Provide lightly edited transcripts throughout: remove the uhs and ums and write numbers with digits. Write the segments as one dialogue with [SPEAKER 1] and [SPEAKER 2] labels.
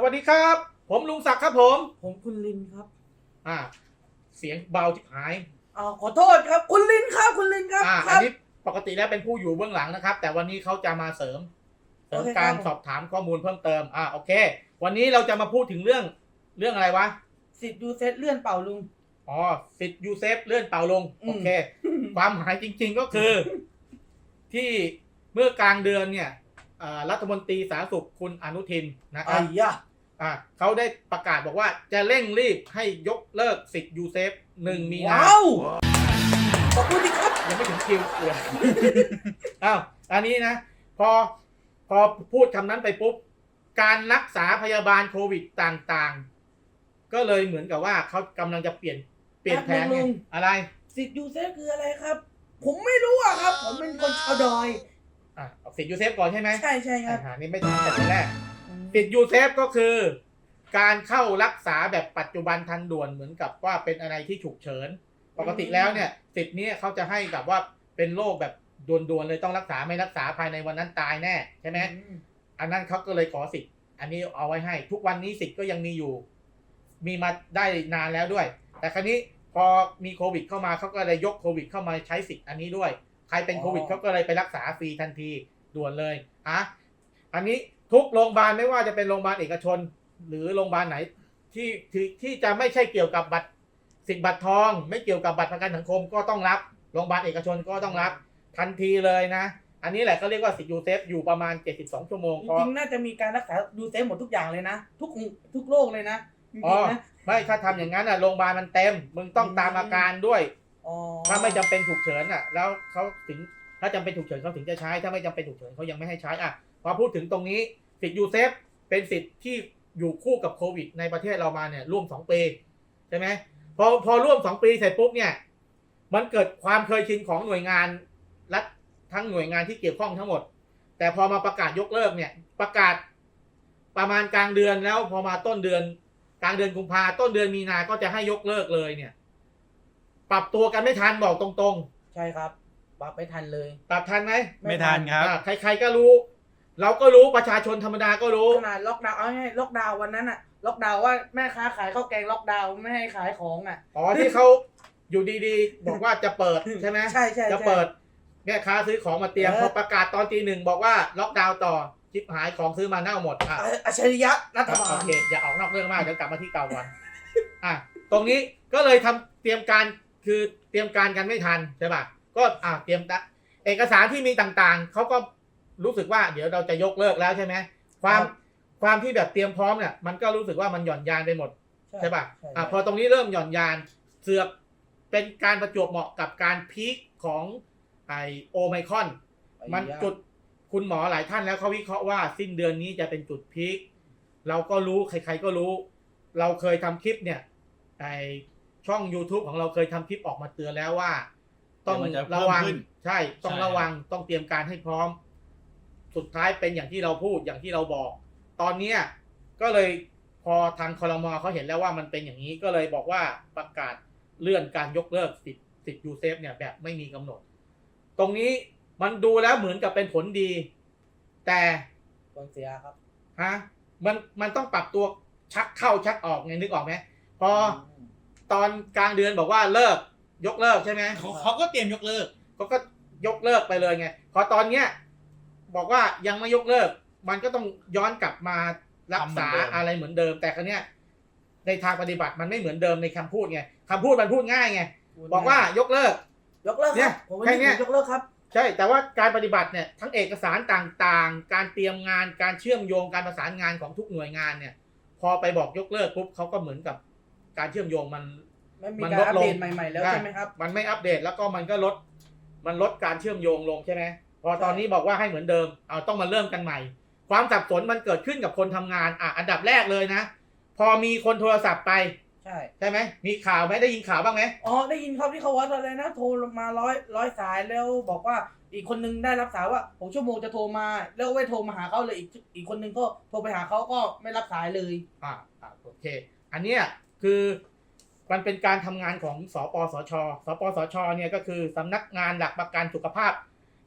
[SPEAKER 1] วัสดีครับผมลุงศักดิ์ครับ
[SPEAKER 2] ผมคุณลินครับ
[SPEAKER 1] อ่าเสียงเบาทิบหาย
[SPEAKER 2] ขอโทษครับคุณลินครับคุณลินครับ
[SPEAKER 1] อันนี้ปกติแล้วเป็นผู้อยู่เบื้องหลังนะครับแต่วันนี้เขาจะมาเสริมการสอบถามข้อมูลเพิ่มเติมโอเควันนี้เราจะมาพูดถึงเรื่องอะไรวะ
[SPEAKER 2] สิทธิ์ยูเซฟเลื่อนเป่าลุง
[SPEAKER 1] สิทธิ์ยูเซฟเลื่อนเป่าลงโอเคความหมายจริงๆก็คือที่เมื่อกลางเดือนเนี่ยรัฐมนตรีสาธารณสุขคุณอนุทินนะครับเขาได้ประกาศบอกว่าจะเร่งรีบให้ยกเลิกสิทธิ์ยูเซฟ1 มีนา
[SPEAKER 2] ขอบคุณครับ
[SPEAKER 1] ยังไม่ถึงคิวเลยอันนี้นะพอพูดคำนั้นไปปุ๊บการรักษาพยาบาลโควิดต่างๆก็เลยเหมือนกับว่าเขากำลังจะเปลี่ยนแผนอะไร
[SPEAKER 2] สิทธิ์ยูเซฟคืออะไรครับผมไม่รู้ครับผมเป็นคนชาวดอย
[SPEAKER 1] สิทธิ์ยูเซฟก่อนใช่ไหม
[SPEAKER 2] ใช่ครับ
[SPEAKER 1] นี่ไม่ถึงแต่แรกสิทธิ์ยูเซฟก็คือการเข้ารักษาแบบปัจจุบันทันด่วนเหมือนกับว่าเป็นอะไรที่ฉุกเฉินปกติแล้วเนี่ยสิทธิ์นี้เขาจะให้กับว่าเป็นโรคแบบด่วนๆเลยต้องรักษาไม่รักษาภายในวันนั้นตายแน่ใช่ไหมอันนั้นเขาก็เลยขอสิทธิ์อันนี้เอาไว้ให้ทุกวันนี้สิทธิ์ก็ยังมีอยู่มีมาได้นานแล้วด้วยแต่ครั้นี้พอมีโควิดเข้ามาเขาก็เลยยกโควิดเข้ามาใช้สิทธิ์อันนี้ด้วยใครเป็นโควิดเขาก็เลยไปรักษาฟรีทันทีด่วนเลยอันนี้ทุกโรงพยาบาลไม่ว่าจะเป็นโรงพยาบาลเอกชนหรือโรงพยาบาลไหนที่จะไม่ใช่เกี่ยวกับบัตรสิทธิ์บัตรทองไม่เกี่ยวกับบัตรประกันสังคมก็ต้องรับโรงพยาบาลเอกชนก็ต้องรับทันทีเลยนะอันนี้แหละก็เรียกว่าสิทธิ์ยูเซฟอยู่ประมาณ72ชั่วโมง
[SPEAKER 2] จริงๆน่าจะมีการรักษายูเซฟหมดทุกอย่างเลยนะทุกโรคเลยนะจริงๆนะ
[SPEAKER 1] ไม่ถ้าทำอย่างนั้นโรงพยาบาลมันเต็มมึงต้องตามอาการด้วยถ้าไม่จำเป็นฉุกเฉินแล้วเขาถึงถ้าจำเป็นฉุกเฉินเขาถึงจะใช้ถ้าไม่จำเป็นฉุกเฉินเขายังไม่ให้ใช้พอพูดถึงตรงนี้สิทธิ์ยูเซฟเป็นสิทธิ์ที่อยู่คู่กับโควิดในประเทศเรามาเนี่ยร่วม2 ปีใช่ไหมพอร่วม2 ปีเสร็จปุ๊บเนี่ยมันเกิดความเคยชินของหน่วยงานรัฐทั้งหน่วยงานที่เกี่ยวข้องทั้งหมดแต่พอมาประกาศยกเลิกเนี่ยประกาศประมาณกลางเดือนแล้วพอมาต้นเดือนกลางเดือนกุมภาต้นเดือนมีนาก็จะให้ยกเลิกเลยเนี่ยปรับตัวกันไม่ทันบอกตรง
[SPEAKER 2] ๆใช่ครับปรับไม่ทันเลย
[SPEAKER 1] ปรับทันไหม
[SPEAKER 3] ไม่ทันครับ
[SPEAKER 1] ใครๆก็รู้เราก็รู้ประชาชนธรรมดาก็รู้
[SPEAKER 2] ขนาดล็อกดาวน์ล็อกดาวน์วันนั้นล็อกดาวน์ว่าแม่ค้าขายข้าวแกงล็อกดาวน์ไม่ให้ขายของ
[SPEAKER 1] ที่เขาอยู่ดีๆบอกว่าจะเปิดใช่ไหม
[SPEAKER 2] ใช่
[SPEAKER 1] จะเปิดแม่ค้าซื้อของมาเตรียมพอประกาศตอนตี 1บอกว่าล็อกดาวน์ต่อชิบหายของซื้อมาเน่าหมด
[SPEAKER 2] อัจฉริยะรัฐบาล
[SPEAKER 1] โอเคอย่าออกนอกเรื่องมากเดี๋ยวกลับมาที่เก่าก่อนตรงนี้ก็เลยเตรียมการกันไม่ทันใช่ป่ะก็เตรียมเอกสารที่มีต่างๆเขาก็รู้สึกว่าเดี๋ยวเราจะยกเลิกแล้วใช่ไหมความที่แบบเตรียมพร้อมเนี่ยมันก็รู้สึกว่ามันหย่อนยานไปหมดใช่ป่ะพอตรงนี้เริ่มหย่อนยานเสือกเป็นการประจวบเหมาะกับการพีคของโอไมครอนมันจุดคุณหมอหลายท่านแล้วเขาวิเคราะห์ว่าสิ้นเดือนนี้จะเป็นจุดพีคเราก็รู้ใครๆก็รู้เราเคยทำคลิปเนี่ยช่อง YouTube ของเราเคยทำคลิปออกมาเตือนแล้วว่าต้องระวังใช่ต้องระวังต้องเตรียมการให้พร้อมสุดท้ายเป็นอย่างที่เราพูดอย่างที่เราบอกตอนนี้ก็เลยพอทางครม.เขาเห็นแล้วว่ามันเป็นอย่างนี้ก็เลยบอกว่าประกาศเลื่อนการยกเลิกสิทธิ์ยูเซฟเนี่ยแบบไม่มีกำหนดตรงนี้มันดูแล้วเหมือนกับเป็นผลดีแต่
[SPEAKER 2] ผลเสียครับ
[SPEAKER 1] มันต้องปรับตัวชักเข้าชักออกไงนึกออกไหมพอตอนกลางเดือนบอกว่ายกเลิกใช่ไหม
[SPEAKER 3] เขาก็เตรียมยกเลิก
[SPEAKER 1] เขาก็ยกเลิกไปเลยไงพอตอนเนี้ยบอกว่ายังไม่ยกเลิกมันก็ต้องย้อนกลับมารักษาอะไรเหมือนเดิมแต่ครั้งเนี้ยในทางปฏิบัติมันไม่เหมือนเดิมในคำพูดไงคำพูดมันพูดง่ายไงบอกว่ายกเลิก
[SPEAKER 2] เนี่ยแค่นี้ยกเลิกครับ
[SPEAKER 1] ใช่แต่ว่าการปฏิบัติเนี่ยทั้งเอกสารต่างๆการเตรียมงานการเชื่อมโยงการประสานงานของทุกหน่วยงานเนี่ยพอไปบอกยกเลิกปุ๊บเขาก็เหมือนกับการเชื่อมโยงมัน
[SPEAKER 2] ลดลงใหม่ๆแล้วใช่ไหมครับ
[SPEAKER 1] มันไม่อัปเดตแล้วก็มันก็ลดการเชื่อมโยงลงใช่ไหมพอตอนนี้บอกว่าให้เหมือนเดิมต้องมาเริ่มกันใหม่ความสับสนมันเกิดขึ้นกับคนทำงานอันดับแรกเลยนะพอมีคนโทรศัพท์ไปใช่ไหมมีข่าวไหมได้ยินข่าวบ้างไหม
[SPEAKER 2] ได้ยินครับที่เขาว่าอะไรนะโทรมาร้อยสายแล้วบอกว่าอีกคนนึงได้รับสายว่า6 ชั่วโมงจะโทรมาแล้วไม่โทรมาหาเขาเลยอีกคนนึงก็โทรไปหาเขาก็ไม่รับสายเลย
[SPEAKER 1] โอเคอันเนี้ยคือมันเป็นการทำงานของสปสชเนี่ยก็คือสำนักงานหลักประกันสุขภาพ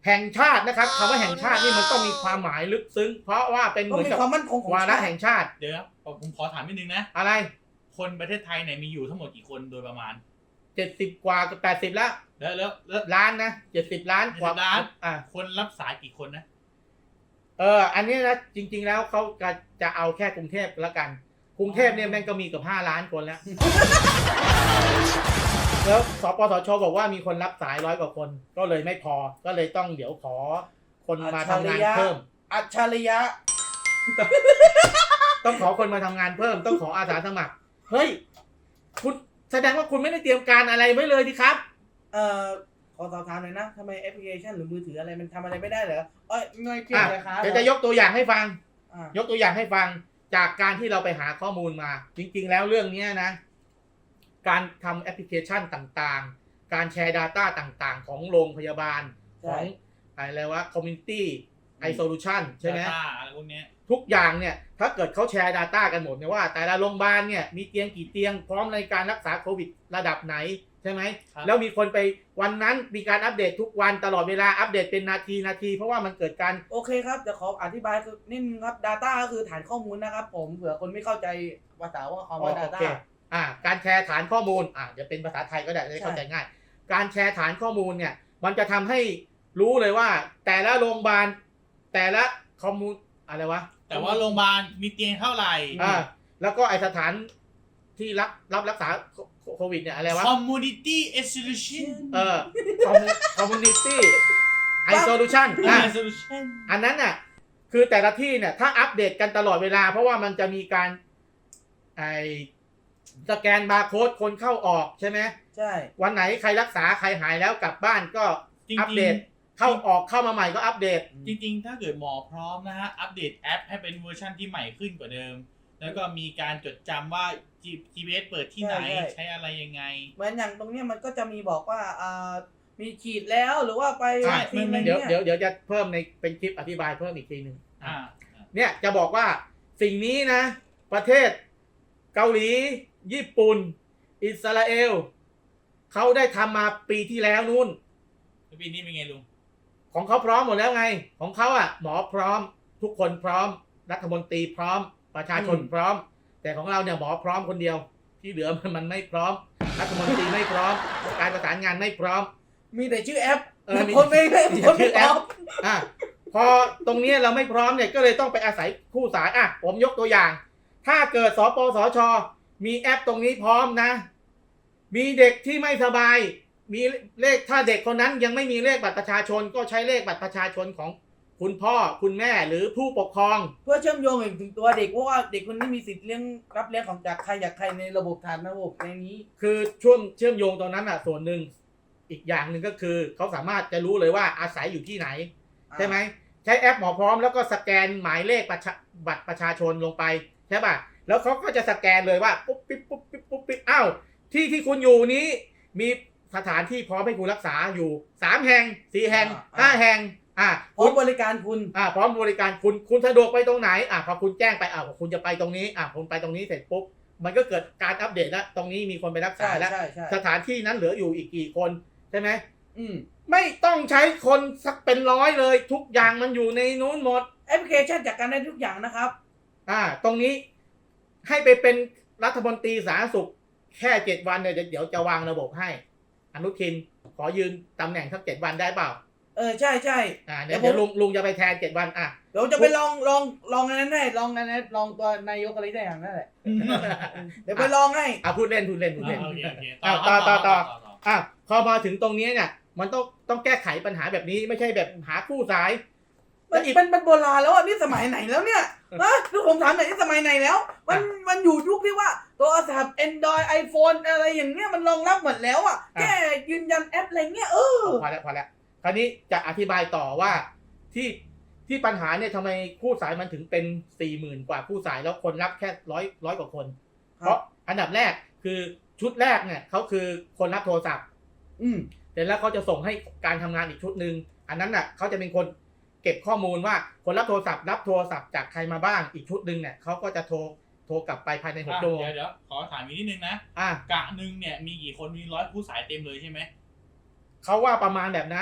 [SPEAKER 1] แห่งชาตินะครับคำว่าแห่งชาตินี่มันต้องมีความหมายลึกซึ้ง เพราะว่าเป็นเห
[SPEAKER 2] ต้อง
[SPEAKER 1] มือน
[SPEAKER 2] มี
[SPEAKER 1] กับ
[SPEAKER 2] ความมั่นคงของ
[SPEAKER 1] วาระ
[SPEAKER 2] ชาติ
[SPEAKER 1] แห่งชาติ
[SPEAKER 3] เดี๋ยวครับผมขอถามนิดนึงนะ
[SPEAKER 1] อะไร
[SPEAKER 3] คนประเทศไทยเนี่ยมีอยู่ทั้งหมดกี่คนโดยประมาณ
[SPEAKER 1] 70 กว่ากับ80แล้ว
[SPEAKER 3] แล้ว
[SPEAKER 1] ล้านนะ70 ล้านกว่า
[SPEAKER 3] ล้าน
[SPEAKER 1] อ่ะ
[SPEAKER 3] คนรับสายกี่คนนะ
[SPEAKER 1] อันนี้นะจริง ๆ แล้วเขาจะเอาแค่กรุงเทพแล้วกันกรุงเทพเนี่ยแม่งก็มีเกับ5 ล้านคนแล้ว แล้วสปสชบอกว่ามีคนรับสาย100 กว่าคน ก็เลยไม่พอก็เลยต้องเดี๋ยวขอคนมาทำงานเพิ่ม
[SPEAKER 2] อัจฉริยะ
[SPEAKER 1] ต้องขอคนมาทำงานเพิ่ม ต้องขออาสาสมัครเฮ้ยคุณแสดงว่าคุณไม่ได้เตรียมการอะไรไว้เลยดิครับ
[SPEAKER 2] ขอสอบถามหน่อยนะทำไมแอปพลิเคชันหรือมือถืออะไรมันทำอะไรไม่ได้เหรอไม่เพี้ยนราคา
[SPEAKER 1] เดี๋ยวจะยกตัวอย่างให้ฟัง
[SPEAKER 2] อ่ะ
[SPEAKER 1] ยกตัวอย่างให้ฟังจากการที่เราไปหาข้อมูลมา จริง ๆ แล้วเรื่องนี้นะ การทำแอปพลิเคชันต่างๆ การแชร์ Data ต่างๆ ของโรงพยาบาลของอะไรวะ Community iSolution ใช่ไหม
[SPEAKER 3] Data อะไรพวกเนี้ย
[SPEAKER 1] ทุกอย่างเนี่ยถ้าเกิดเขาแชร์ Data กันหมดเนี่ยว่า แต่ละโรงพยาบาลเนี่ยมีเตียงกี่เตียงพร้อมในการรักษาโควิดระดับไหนใช่ไหม
[SPEAKER 3] ครับ
[SPEAKER 1] แล้วมีคนไปวันนั้นมีการอัปเดตทุกวันตลอดเวลาอัปเดตเป็นนาทีเพราะว่ามันเกิดการ
[SPEAKER 2] โอเคครับเดี๋ยวขออธิบายคือนิดนึงครับ Data ก็คือฐานข้อมูลนะครับผมเผื่อคนไม่เข้าใจภาษาว่าคำว่า
[SPEAKER 1] โอ
[SPEAKER 2] Data
[SPEAKER 1] เค การแชร์ฐานข้อมูลเดี๋ยวเป็นภาษาไทยก็ได้จะได้เข้าใจง่าย การแชร์ฐานข้อมูลเนี่ยมันจะทำให้รู้เลยว่า แต่ละโรงพยาบาลแต่ละข้อมูลอะไรวะ
[SPEAKER 3] แต่ว่าโรงพยาบาลมีเตียงเท่าไหร่
[SPEAKER 1] แล้วก็ไอสถานที่รับรักษาโควิดเนี่ยอะไรวะ
[SPEAKER 3] Community Isolation
[SPEAKER 1] community isolation
[SPEAKER 3] Isolation
[SPEAKER 1] อันนั้นน่ะคือแต่ละที่เนี่ยถ้าอัปเดตกันตลอดเวลา เพราะว่ามันจะมีการไอสแกนบาร์โค้ดคนเข้าออกใช่ไหม
[SPEAKER 2] ใช่
[SPEAKER 1] วันไหนใครรักษาใครหายแล้วกลับบ้านก็
[SPEAKER 3] จริงๆ
[SPEAKER 1] อัปเดตเข้าออกเข้ามาใหม่ก็อัปเดต
[SPEAKER 3] จริงๆ ถ้าเกิดหมอพร้อมนะฮะ อัปเดตแอปให้เป็นเวอร์ชันที่ใหม่ขึ้นกว่าเดิม แล้วก็มีการจดจำว่า GPS เปิดที่ไหน ใช้อะไรยังไง
[SPEAKER 2] เหมือนอย่างตรงเนี้ยมันก็จะมีบอกว่ามีฉีดแล้วหรือว่าไป
[SPEAKER 1] ใช่
[SPEAKER 2] วัคซีนอะไร
[SPEAKER 1] เดี๋ยว
[SPEAKER 2] เนี่ย
[SPEAKER 1] เดี๋ยวจะเพิ่มในเป็นคลิปอธิบายเพิ่มอีกทีหนึ่ง
[SPEAKER 3] อ่า
[SPEAKER 1] เนี่ยจะบอกว่าสิ่งนี้นะ ประเทศเกาหลี ญี่ปุ่น อิสราเอลเขาได้ทำมาปีที่แล้วนู่น
[SPEAKER 3] แล้วปีนี้เป็นไงลุง
[SPEAKER 1] ของเขาพร้อมหมดแล้วไง ของเขาหมอพร้อม ทุกคนพร้อม รัฐมนตรีพร้อม ประชาชนพร้อม แต่ของเราเนี่ยหมอพร้อมคนเดียว ที่เหลือมันไม่พร้อม รัฐมนตรีไม่พร้อม การประสานงานไม่พร้อม
[SPEAKER 2] มีแต่ชื่อแอป
[SPEAKER 1] มี
[SPEAKER 2] คนไม่
[SPEAKER 1] มี
[SPEAKER 2] คนไม่
[SPEAKER 1] ชื่อ
[SPEAKER 2] พ
[SPEAKER 1] แอ
[SPEAKER 2] ร้อ
[SPEAKER 1] ป
[SPEAKER 2] ม
[SPEAKER 1] พอตรงนี้เราไม่พร้อมเนี่ยก็เลยต้องไปอาศัยคู่สายผมยกตัวอย่าง ถ้าเกิดสปสชมีแอปตรงนี้พร้อมนะ มีเด็กที่ไม่สบาย มีเลขถ้าเด็กคนนั้นยังไม่มีเลขบัตรประชาชน ก็ใช้เลขบัตรประชาชนของคุณพ่อคุณแม่หรือผู้ปกครอง
[SPEAKER 2] เพื่อเชื่อมโยงถึงตัวเด็กเพราะว่าเด็กคนนี้มีสิทธิ์รับเลี้ยงของจากใครจากใครในระบบฐานระบบในนี้
[SPEAKER 1] คือช่วงเชื่อมโยงตรงนั้นส่วนหนึ่งอีกอย่างหนึ่งก็คือเขาสามารถจะรู้เลยว่าอาศัยอยู่ที่ไหน ใช่ไหมใช้แอปหมอพร้อมแล้วก็สแกนหมายเลขบัตรประชาชนลงไปใช่ป่ะแล้วเขาก็จะสแกนเลยว่าปุ๊บปิ๊บปุ๊บปิ๊บปุ๊บปิ๊บที่คุณอยู่นี้มีสถานที่พร้อมให้คุณรักษาอยู่3 แห่ง4 แห่ง5 แห่ง
[SPEAKER 2] พร้อมบริการคุณ
[SPEAKER 1] พร้อมบริการคุณสะดวกไปตรงไหนพอคุณแจ้งไปคุณจะไปตรงนี้คุณไปตรงนี้เสร็จปุ๊บมันก็เกิดการอัปเดตแล้วตรงนี้มีคนไปรักษาแล้ว
[SPEAKER 2] ใช่
[SPEAKER 1] สถานที่นั้นเหลืออยู่อีกกี่คนใช่ไหม
[SPEAKER 2] อืม
[SPEAKER 1] ไม่ต้องใช้คนสักเป็นร้อยเลยทุกอย่างมันอยู่ในนู้นหมด
[SPEAKER 2] แอปพลิเคชันจัดการได้ทุกอย่างนะครับ
[SPEAKER 1] ตรงนี้ให้ไปเป็นรัฐมนตรีสาธารณสุขแค่7 วันเนี่ยเดี๋ยวจะวางระบบให้อนุทินขอยืนตำแหน่งสัก7 วันได้เปล่า
[SPEAKER 2] ใช่
[SPEAKER 1] เดี๋ยวลุงจะไปแทน7 วัน
[SPEAKER 2] เดี๋ยวจะไปลองอันนั้นได้ลองอันนั้นลองตัวนายกอะไรได้อย่างนั้นแหละ เดี๋ยวไปลองให้
[SPEAKER 1] พูดเล่น
[SPEAKER 3] โอเค
[SPEAKER 1] ต่อพอมาถึงตรงนี้เนี่ยมันต้องแก้ไขปัญหาแบบนี้ไม่ใช่แบบหาคู่สาย
[SPEAKER 2] มันโบราณแล้วนี่สมัยไหนแล้วเนี่ยคือผมถามหน่อยนี่สมัยไหนแล้วมันอยู่ยุคที่ว่าโทรศัพท์ Android iPhone อะไรอย่างเงี้ยมันรองรับหมดแล้วแค่ยืนยันแอปอะไรเงี้ย
[SPEAKER 1] พอแล้วคราวนี้จะอธิบายต่อว่าที่ปัญหาเนี่ยทำไมคู่สายมันถึงเป็น 40,000 กว่าคู่สายแล้วคนรับแค่ร้อยกว่าคนเพราะอันดับแรกคือชุดแรกเนี่ยเขาคือคนรับโทรศัพท์เสร็จแล้วเขาจะส่งให้การทำงานอีกชุดหนึ่งอันนั้นเขาจะเป็นคนเก็บข้อมูลว่าคนรับโทรศัพท์จากใครมาบ้างอีกชุดหนึ่งเนี่ยเขาก็จะโทรกลับไปภายใน6 ชั่วโมง
[SPEAKER 3] เดี๋ยวขอถามอีกนิดนึงนะกะหนึ่งเนี่ยมีกี่คนมี100 คู่สายเต็มเลยใช่ไหม
[SPEAKER 1] เขาว่าประมาณแบบนั้น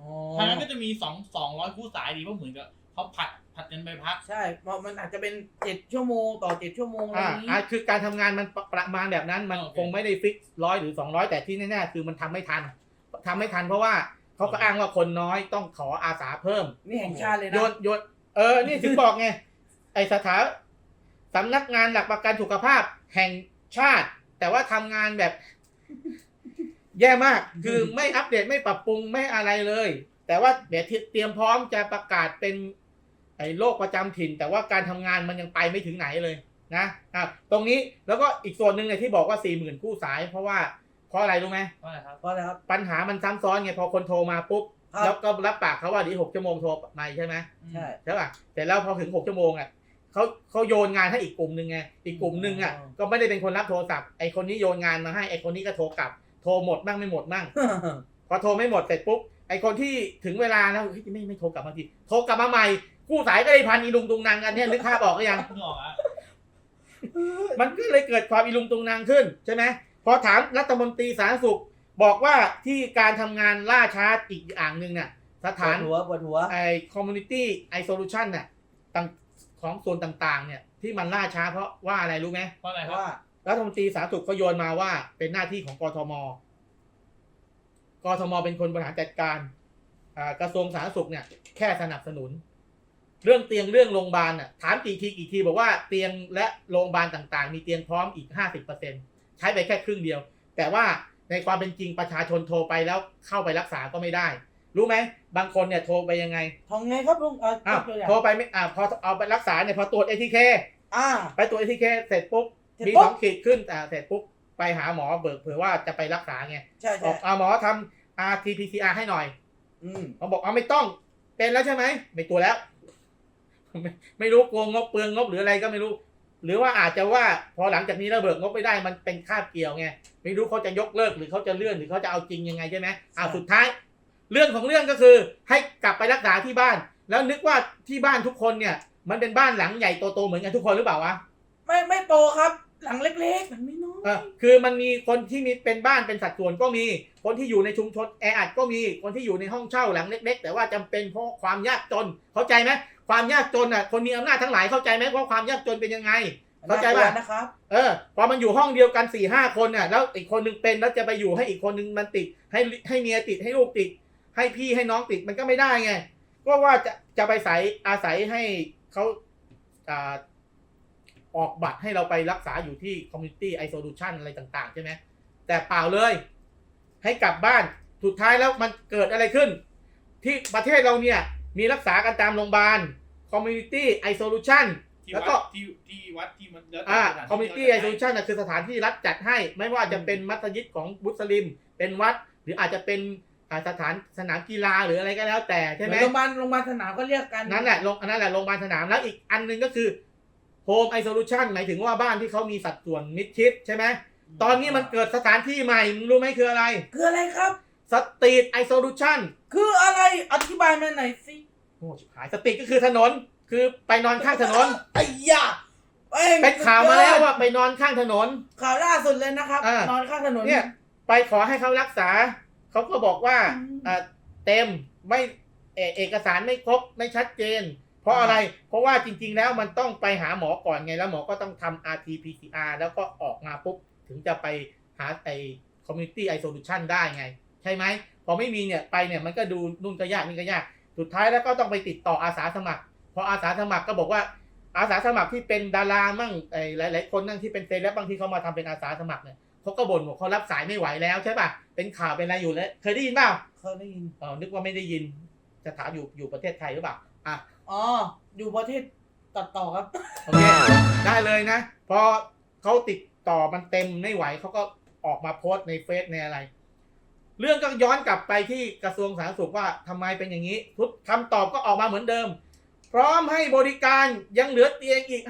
[SPEAKER 2] อ๋อ
[SPEAKER 3] ทางนั้นก็จะมี200คู่สายดีเพราะเหมือนกับเขาผัดกันไปพัก
[SPEAKER 2] ใช่เพราะมันอาจจะเป็น7 ชั่วโมงต่อ7 ชั่วโมงอะไรอย่างนี้
[SPEAKER 1] คือการทำงานมันประมาณแบบนั้นมัน
[SPEAKER 3] โอเค
[SPEAKER 1] คงไม่ได้ฟิก100หรือ200แต่ที่แน่ๆคือมันทำไม่ทันเพราะว่าเขาก็อ้างว่าคนน้อยต้องขออาสาเพิ่ม
[SPEAKER 2] นี่แห่งชาติเลยนะ
[SPEAKER 1] โยนนี่ถึงบอกไง ไอสำนักงานหลักประกันสุขภาพแห่งชาติ แต่ว่าทำงานแบบ แย่มาก คือไม่อัปเดตไม่ปรับปรุงไม่อะไรเลย แต่ว่าเดี๋ยวเตรียมพร้อมจะประกาศเป็นไอ้โรคประจำถิ่น แต่ว่าการทำงานมันยังไปไม่ถึงไหนเลยนะตรงนี้แล้วก็อีกส่วนหนึ่งเนี่ยที่บอกว่า 40,000 คู่สาย เพราะอะไรรู้ไหม
[SPEAKER 3] ว่าอะไรครับ
[SPEAKER 2] เพราะอะไรครับ
[SPEAKER 1] ปัญหามันซ้ำซ้อนไงพอคนโทรมาปุ๊บ
[SPEAKER 2] ครับ
[SPEAKER 1] แล้วก็รับปากเขาว่าเดี๋ยว6 ชั่วโมงโทรมาใช่ไหม
[SPEAKER 2] ใช่
[SPEAKER 1] ใช่ป่ะแต่แล้วพอถึง6 ชั่วโมงอ่ะเขาโยนงานให้อีกกลุ่มหนึ่งไงอีกกลุ่มหนึ่งอ่ะก็ไม่ได้เป็นคนรับโทรศัพท์ไอคนนี้โยนงานมาให้ไอคนนี้ก็โทรกลับโทรหมดบ้างไม่หมดบ้างพอโทรไม่หมดเสร็จปุ๊บไอคนที่ถึงเวลาแล้วไม่โทรกลับมาทีโทรกลับมาใหม่กู้สายก็เลยพันอีลุงตุงนางกันเนี่ยนึกภาพออกหรือยัง
[SPEAKER 3] เพิ่งออกอ่ะ
[SPEAKER 1] มันก็เลยเกิดความอีลุงตุงนางขึ้นใช่ไหมพอถามรัฐมนตรีสาธารณสุขบอกว่าที่การทำงานล่าช้าอีกอย่างหนึ่งเนี่ยสถาน
[SPEAKER 2] ปวดหัว
[SPEAKER 1] ไอ community isolation เนี่ยของส่วนต่างๆเนี่ยที่มันล่าช้าเพราะว่าอะไรรู้ไหม
[SPEAKER 3] เพราะอะไรครับ
[SPEAKER 2] ว่า
[SPEAKER 1] รัฐมนตรีสาธารณสุขเขาโยนมาว่าเป็นหน้าที่ของกทมเป็นคนบริหารจัดการกระทรวงสาธารณสุขเนี่ยแค่สนับสนุน เรื่องเตียงเรื่องโรงพยาบาลน่ะถามกี่ทีบอกว่าเตียงและโรงพยาบาลต่างๆมีเตียงพร้อมอีก 50% ใช้ไปแค่ครึ่งเดียว แต่ว่าในความเป็นจริงประชาชนโทรไปแล้วเข้าไปรักษาก็ไม่ได้ รู้ไหมบางคนเนี่ยโทรไปยังไง
[SPEAKER 2] ทำไงครับลุงตัวอย่าง
[SPEAKER 1] โทรไปไม่พอเอาไปรักษาเนี่ยพอตรวจ ATK ไปตรวจ ATK เสร็จปุ๊บ
[SPEAKER 2] เสร็จ
[SPEAKER 1] มี
[SPEAKER 2] ปุ๊บ
[SPEAKER 1] 2 ขีดขึ้นเสร็จปุ๊บไปหาหมอเบิกเผื่อว่าจะไปรักษาไง
[SPEAKER 2] ใช่
[SPEAKER 1] บ
[SPEAKER 2] ใช่
[SPEAKER 1] อกหมอทำ RT-PCR ให้หน่อย
[SPEAKER 2] อืม
[SPEAKER 1] เขาบอกไม่ต้องเป็นแล้วใช่ไหมไม่ตัวแล้ว ไม่รู้โกงงบเปลืองงบหรืออะไรก็ไม่รู้ หรือว่าอาจจะว่าพอหลังจากนี้เราเบิกงบไม่ได้มันเป็นคาบเกี่ยวไงไม่รู้เขาจะยกเลิกหรือเขาจะเลื่อนหรือเขาจะเอาจริงยังไงใช่ไหมสุดท้าย เรื่องของเรื่องก็คือให้กลับไปรักษาที่บ้าน แล้วนึกว่าที่บ้านทุกคนเนี่ย มันเป็นบ้านหลังใหญ่โตๆเหมือนกันทุกคนหรือเปล่าวะ
[SPEAKER 2] ไม่โตครับ หลังเล็กๆมันไม่น้อย
[SPEAKER 1] คือมันมีคนที่มีเป็นบ้านเป็นสัดส่วนก็มีคนที่อยู่ในชุมชนแออัดก็มีคนที่อยู่ในห้องเช่าหลังเล็กๆแต่ว่าจำเป็นเพราะความยากจนเข้าใจไหมความยากจนอ่ะคนมีอำนาจทั้งหลายเข้าใจไหมว่าความยากจนเป็นยังไงเข้าใจป่ะ
[SPEAKER 2] นะครับ
[SPEAKER 1] พอมันอยู่ห้องเดียวกัน4-5 คนน่ะแล้วอีกคนนึงเป็นแล้วจะไปอยู่ให้อีกคนนึงมันติดให้เมียติดให้ลูกติดให้พี่ให้น้องติดมันก็ไม่ได้ไงก็ว่าจะไปอาศัยให้เขาออกบัตรให้เราไปรักษาอยู่ที่ community isolation อะไรต่างๆใช่ไหมแต่เปล่าเลยให้กลับบ้านสุดท้ายแล้วมันเกิดอะไรขึ้น ที่ประเทศเราเนี่ยมีรักษากันตามโรงพยาบาล community isolation แล้วก็
[SPEAKER 3] ที่วัดที่มันแล้ว
[SPEAKER 1] community isolation น่ะคือสถานที่รัฐจัดให้ไม่ว่าจะเป็นมัสยิดของมุสลิมเป็นวัดหรืออาจจะเป็นสนามกีฬาหรืออะไรก็แล้วแต่ใช่ไหม
[SPEAKER 2] โรงพยาบาลสนามก็เรียกกัน
[SPEAKER 1] นั่นแหละโรงพยาบาลสนามแล้วอีกอันนึงก็คือ home isolation หมายถึงว่าบ้านที่เขามีสัดส่วนมิดชิดใช่ไหมตอนนี้มันเกิดสถานที่ใหม่มึงรู้ไหมคืออะไร
[SPEAKER 2] คืออะไรครับ
[SPEAKER 1] street isolation
[SPEAKER 2] คืออะไรอธิบายมาหน่อยสิ
[SPEAKER 1] โอ้ชิบหายสตรีทก็คือถนนคือไปนอนข้างถนน
[SPEAKER 2] ไอ้ยา
[SPEAKER 1] เป็นข่าวมาแล้วว่าไปนอนข้างถนน
[SPEAKER 2] ข่าวล่าสุดเลยนะครับ นอนข้างถนน
[SPEAKER 1] เนี่ยไปขอให้เขารักษาเขาก็บอกว่าเต็มไม่เอกสารไม่ครบไม่ชัดเจน เพราะอะไรเพราะว่าจริงๆแล้วมันต้องไปหาหมอก่อนไงแล้วหมอก็ต้องทำ RT-PCR แล้วก็ออกมาปุ๊บถึงจะไปหาcommunity isolation ได้ไงใช่ไหมพอไม่มีเนี่ยไปเนี่ยมันก็ดูนู่นก็ยากนี่ก็ยากสุดท้ายแล้วก็ต้องไปติดต่ออาสาสมัครพออาสาสมัครก็บอกว่าอาสาสมัครที่เป็นดารามั่งหลายๆคนนั่งที่เป็นเซเลบบางที่เขามาทำเป็นอาสาสมัครเนี่ยเขาก็บ่นบอกเขารับสายไม่ไหวแล้วใช่ป่ะเป็นข่าวเป็นอะไรอยู่แล้วเคยได้ยินเปล่า
[SPEAKER 2] เคยได้ยิน
[SPEAKER 1] นึกว่าไม่ได้ยินจะถามอยู่ประเทศไทยหรือเปล่า
[SPEAKER 2] อยู่ประเทศตัดต่อครับ
[SPEAKER 1] โอเคได้เลยนะพอเขาติดต่อมันเต็มไม่ไหวเขาก็ออกมาโพสต์ในเฟซในอะไรเรื่องก็ย้อนกลับไปที่กระทรวงสาธารณสุขว่าทำไมเป็นอย่างนี้ทุกคำตอบก็ออกมาเหมือนเดิมพร้อมให้บริการยังเหลือเตียงอีก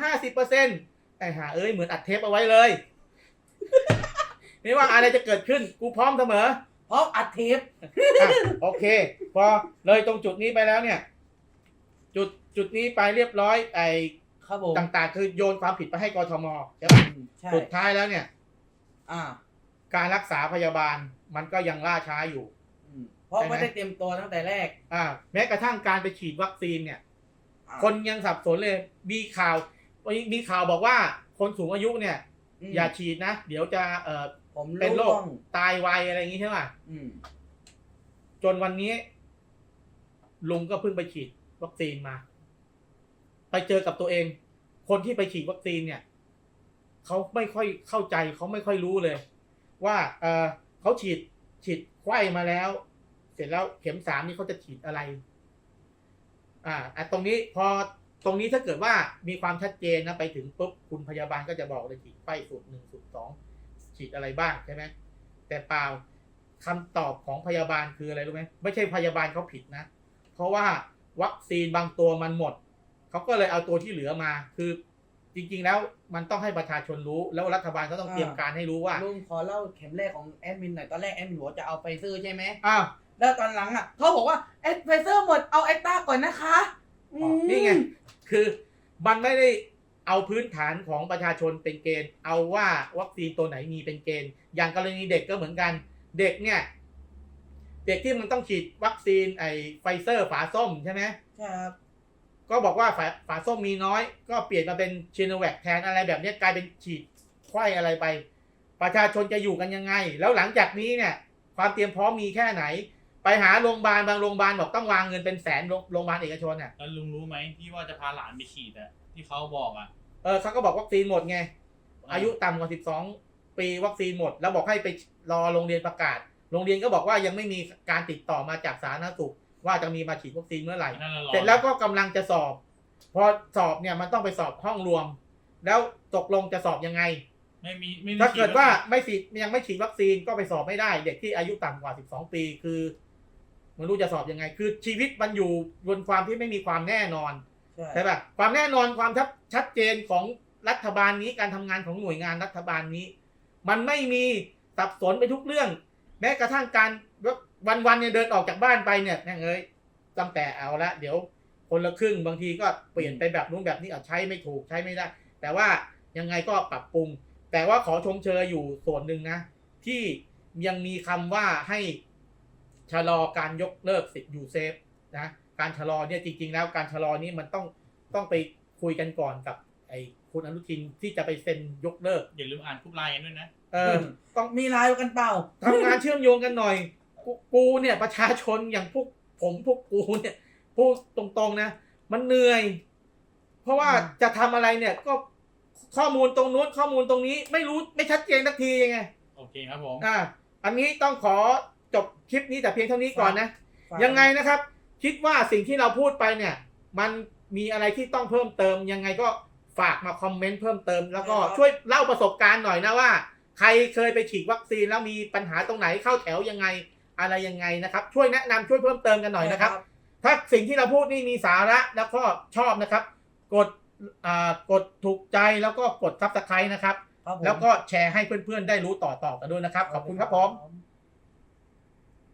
[SPEAKER 1] 50% ไอ้ห่าเหมือนอัดเทปเอาไว้เลย ไม่ว่าอะไรจะเกิดขึ้นกูพร้อมเสมอ
[SPEAKER 2] เพราะอัดเทป
[SPEAKER 1] โอเคพอเลยตรงจุดนี้ไปแล้วเนี่ยจุดนี้ไปเรียบร้อย
[SPEAKER 2] ครับผม
[SPEAKER 1] ต่างๆคือโยนความผิดไปให้กทมใช่ป่ะ
[SPEAKER 2] ใช่
[SPEAKER 1] สุดท้ายแล้วเนี่ย
[SPEAKER 2] อ่า
[SPEAKER 1] การรักษาพยาบาลมันก็ยังล่าช้าอยู่
[SPEAKER 2] เพราะ
[SPEAKER 1] ใช่ไหม
[SPEAKER 2] ไม่ได้เตรียมตัวตั้งแต่แรก
[SPEAKER 1] แม้กระทั่งการไปฉีดวัคซีนเนี่ย คนยังสับสนเลยมีข่าวบอกว่าคนสูงอายุเนี่ย อย่าฉีดนะ เดี๋ยวจะ
[SPEAKER 2] ผม
[SPEAKER 1] เป็นโร
[SPEAKER 2] ร่
[SPEAKER 1] คว
[SPEAKER 2] ง
[SPEAKER 1] ตายไวอะไรอย่างงี้ใช่ไหม
[SPEAKER 2] อืม
[SPEAKER 1] จนวันนี้ลุงก็เพิ่งไปฉีดวัคซีนมา ไปเจอกับตัวเอง คนที่ไปฉีดวัคซีนเนี่ยเขาไม่ค่อยเข้าใจเขาไม่ค่อยรู้เลย ว่าเขาฉีดไข้มาแล้ว เสร็จแล้วเข็ม3นี่เขาจะฉีดอะไรตรงนี้พอตรงนี้ถ้าเกิดว่ามีความชัดเจนนะไปถึงปุ๊บคุณพยาบาลก็จะบอกเลยฉีดไข้สูตร1สูตร2ฉีดอะไรบ้างใช่ไหมแต่เปล่าคำตอบของพยาบาลคืออะไรรู้ไหมไม่ใช่พยาบาลเขาผิดนะเพราะว่าวัคซีนบางตัวมันหมดเขาก็เลยเอาตัวที่เหลือมาคือจริงๆแล้วมันต้องให้ประชาชนรู้แล้วรัฐบาลก็ต้องเตรียมการให้รู้ว่า
[SPEAKER 2] ลุงขอเล่าเข็มแรกของแอดมินหน่อยตอนแรกแอดมินบอกว่าจะเอาไฟเซอร์ใช่ไหม
[SPEAKER 1] อ้าว
[SPEAKER 2] แล้วตอนหลังอ่ะเขาบอกว่าไฟเซอร์หมดเอาแอคต้าก่อนนะคะม
[SPEAKER 1] นี่ไงคือมันไม่ได้เอาพื้นฐานของประชาชนเป็นเกณฑ์เอาว่าวัคซีนตัวไหนมีเป็นเกณฑ์อย่างกรณีเด็กก็เหมือนกันเด็กเนี่ยเด็กที่มันต้องฉีดวัคซีนไฟเซอร์ฝาส้มใช่ไหม
[SPEAKER 2] ครับ
[SPEAKER 1] ก็บอกว่าฝาส้มมีน้อยก็เปลี่ยนมาเป็นชิโนแวคแทนอะไรแบบนี้กลายเป็นฉีดไข้อะไรไปประชาชนจะอยู่กันยังไงแล้วหลังจากนี้เนี่ยความเตรียมพร้อมมีแค่ไหนไปหาโรงพยาบาลบางโรงพยาบาลบอกต้องวางเงินเป็นแสนโรงพยาบาลเอกชนอ่ะ
[SPEAKER 3] แล้วลุงรู้ไหมที่ว่าจะพาหลานไปฉีดอะที่เขาบอกอะ
[SPEAKER 1] เขาก็บอกวัคซีนหมดไงอายุต่ำกว่า12ปีวัคซีนหมดแล้วบอกให้ไปรอโรงเรียนประกาศโรงเรียนก็บอกว่ายังไม่มีการติดต่อมาจากสาธารณสุขว่าจะมีมาฉีดวัคซีนเมื่อไหร่
[SPEAKER 3] นั่นน่ะรอ
[SPEAKER 1] เสร็จแล้วก็กำลังจะสอบพอสอบเนี่ยมันต้องไปสอบห้องรวม แล้วตกลงจะสอบยังไง
[SPEAKER 3] ไม่
[SPEAKER 1] ถ้าเกิดว่ายังไม่ฉีดวัคซีนก็ไปสอบไม่ได้เด็กที่อายุต่ำกว่า12ปีคือไม่รู้จะสอบยังไงคือชีวิตมันอยู่บนความที่ไม่มีความแน่นอนใช่ป่ะความแน่นอนความชัดเจนของรัฐบาลนี้การทำงานของหน่วยงานรัฐบาลนี้ มันไม่มีสับสนไปทุกเรื่อง แม้กระทั่งการวันเนี่ยเดินออกจากบ้านไปเนี่ยแม่งเอ้ยตั้งแต่เอาละเดี๋ยวคนละครึ่งบางทีก็เปลี่ยนไปแบบนู้นแบบนี้ใช้ไม่ถูกใช้ไม่ได้ แต่ว่ายังไงก็ปรับปรุง แต่ว่าขอชมเชยอยู่ส่วนหนึ่งนะที่ยังมีคำว่าให้ชะลอการยกเลิกสิทธิ์ยูเซฟนะการชะลอเนี่ยจริงๆแล้วการชะลอนี้มันต้องไปคุยกันก่อนกับคุณอนุทินที่จะไปเซ็นยกเลิก
[SPEAKER 3] อย่าลืมอ่านกรุ๊ปไลน์กันด้วยนะ
[SPEAKER 1] ต้อง
[SPEAKER 2] มีไลน์กันเปล่า
[SPEAKER 1] ทำงานเชื่อมโยงกันหน่อยกูเนี่ยประชาชนอย่างพวกกูเนี่ยพูดตรงๆนะมันเหนื่อยเพราะว่าจะทำอะไรเนี่ยก็ข้อมูลตรงนู้นข้อมูลตรงนี้ไม่รู้ไม่ชัดเจนสักทียังไง
[SPEAKER 3] โอเคครับผม
[SPEAKER 1] อันนี้ต้องขอจบคลิปนี้แต่เพียงเท่านี้ก่อนนะยังไงนะครับคิดว่าสิ่งที่เราพูดไปเนี่ยมันมีอะไรที่ต้องเพิ่มเติมยังไงก็ฝากมาคอมเมนต์เพิ่มเติมแล้วก็ช่วยเล่าประสบการณ์หน่อยนะว่าใครเคยไปฉีดวัคซีนแล้วมีปัญหาตรงไหนเข้าแถวยังไงอะไรยังไงนะครับช่วยแนะนำช่วยเพิ่มเติมกันหน่อยนะครับถ้าสิ่งที่เราพูดนี่มีสาระแล้วก็ชอบนะครับกดถูกใจแล้วก็กด Subscribe นะครับแล้วก็แชร์ให้เพื่อนๆได้รู้ต่อกันด้วยนะครับขอบคุณครับผม